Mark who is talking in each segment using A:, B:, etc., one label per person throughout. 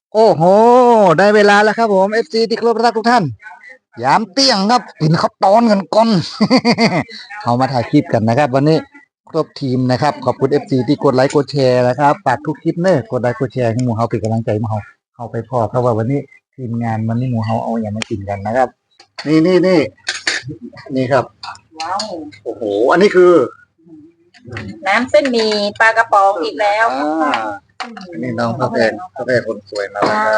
A: โอ้โหได้เวลาแล้วครับผม FC ที่เคารพรักทุกท่านยามเตี้ยงครับกินข้าวตอนกันก่อน เอามาถ่ายคลิปกันนะครับ วันนี้ครบทีมนะครับขอบคุณ FC ที่กดไลค์กดแชร์นะครับฝากทุกคลิปเนอะกดไลค์กดแชร์ให้หมู่เฮาเป็นกำลังใจหมู่เฮาไปพอเพราะว่าวันนี้ทีมงานวันนี้หมู่เฮาเอาอย่างมากินกันนะครับ นี่ครับ
B: ว้าว
A: โอ้โหอันนี้คือ
B: น้ำเส้นหมี่ปลากระป๋องอีกแล้ว
A: อันนี้น้องพระแพงคนสวยมาแล้วครับ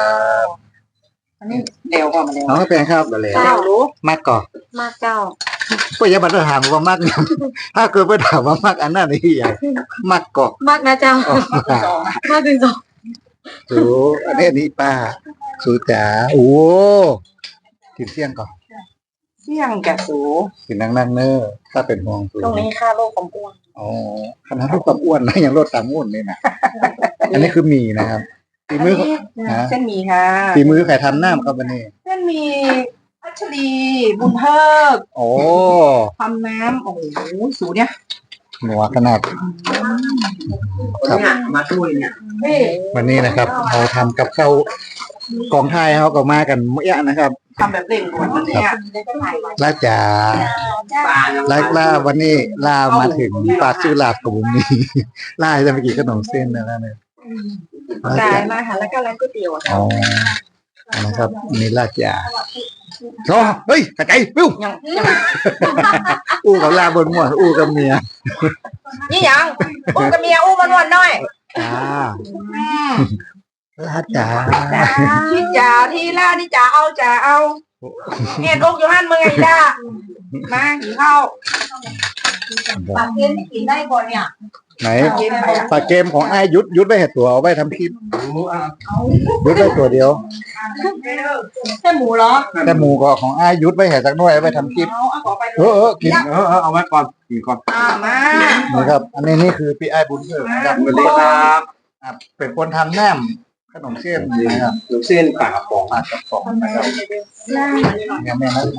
B: อันนี้เร็วกว่ามาเร็ว
A: น้องพระแพงครับอะไร
B: เจ้ารู้
A: มากก่อน
B: มากเจ้า
A: ก็อย่ามาถามว่ามากเนี่ยถ้าเกิดไปถามว่ามากอันนั้นนี่ใหญ่มากก่อน
B: มากนะเจ้า มากถึงสอง
A: สูอันนี้ป้าสูจ๋าโอ้กินเสี่ยงก่อน
B: เสี่ยงแกะสู
A: กินนั่งเนอร์ถ้าเป็นห่วงสู
B: ตรงนี้ค่าโลกความอ้วน
A: อ๋อขนาดลดความอ้วนนะยังลดตามอ้วนเลยนะอันนี้คือหมี่นะครับฝีมือ
B: เส้นหมี่ค่ะ
A: ฝีมือใครทำหน้าครับวันนี้
B: เส้นหมี่พัชรีบุญเพิก
A: โอ้
B: ทำน้ำโอ้โหสูเนี่ย
A: หนัวขนาดครับ
B: มาช่วยเนี่ย
A: วันนี้นะครับเราทำกับข้าวกองไทยเขาก็มากันเมื่อนะครับ
B: ทำแบบเร่งด่วนวันนี้
A: ลาจ๋าลาวันนี้ลามาถึงปากชื่อลาดกับผมนี่ ลาจะไปกินขนมเส้นนะเนี่ยลา
B: จ่า
A: จ๋าย
B: มาค่ะแล้วก็ร้านก๋วยเตี๋ยวอ่ะ
A: อ๋อนะครับนี่ลาจ๋าโอ้เฮ้ยกระจายปิ้ว
B: ยัง
A: อู้กับลาบนหมวดอู้กับเมีย
B: นี่ยังอู้กับเมียอู้มันวนหน่อย
A: จ้าลาจ๋า
B: ที่จ๋าที่ล่าที่จ๋าเอาจ๋าเอาเนี่ยลูกอยู่ห้านเมืองไงล่ะมากินข้าวปากเทียนไม่กินได้ก่อนเนี่ย
A: ไหนปากเกมของไอ้ยุดไว้เห็ดตัวเอาไว้ทำคลิปยุดไว้ตัวเดียว
B: แค่หมูเหรอ
A: แต่หมูก็ของไอ้ยุดไว้เห็ดสักหน่อยเอาไว้ทำคลิป
B: เอาขอไป
A: กิน
C: เอาไว้ก่อนกินก่อน
B: มา
A: นะครับ อันนี้นี่คือพี่ไอ้บุญเกิดนะครับ
C: สวัสดีครับ
A: เป็นคนทำแหนมขนมเส้นนะครับ
C: หนูเส้นปากกระป๋อง
A: ปากกระป๋องนะครับยังไม่นั้น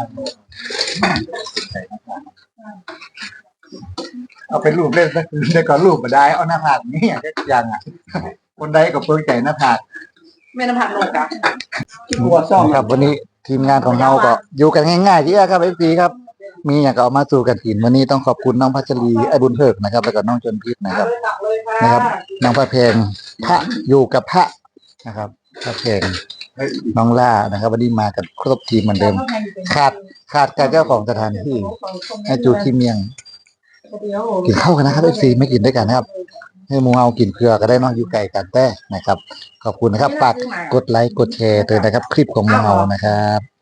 A: เอาเป็นรูปเล่นสักเดี๋ยวก็รูปมาได้เอาหน้าผากนี่อย่างอ่ะ คนใดก็เพิ่งใจหน้าผาก
B: แม่น้ำผักโลกอะ
A: ตัวซ่อมครับวันนี้ทีมงานของเราก็อยู่กันง่ายๆที่ครับเอฟซีครับ มีอย่างก็เอามาสู่กันกินวันนี้ต้องขอบคุณน้องพัชรีไอ้บุญเพิกนะครับแล้วก็น้องจนพิษนะครับ นะครับน้องพระเพงพระอยู่กับพระนะครับพระเพงน้องล่านะครับวันนี้มากันครบทีมเหมือนเดิม ขาดการเจ้าของสถานที่ให้จูที่เมียง กินข้าวกันนะครับเอฟซีไม่กินด้วยกันนะครับ ให้หมูเฮากินเพื่อก็ได้เนอกอยู่ไกลกันแต่นะครับ ขอบคุณนะครับฝากกดไลค์กดแชร์เตือนนะครับ คลิปของหมูเฮานะครับ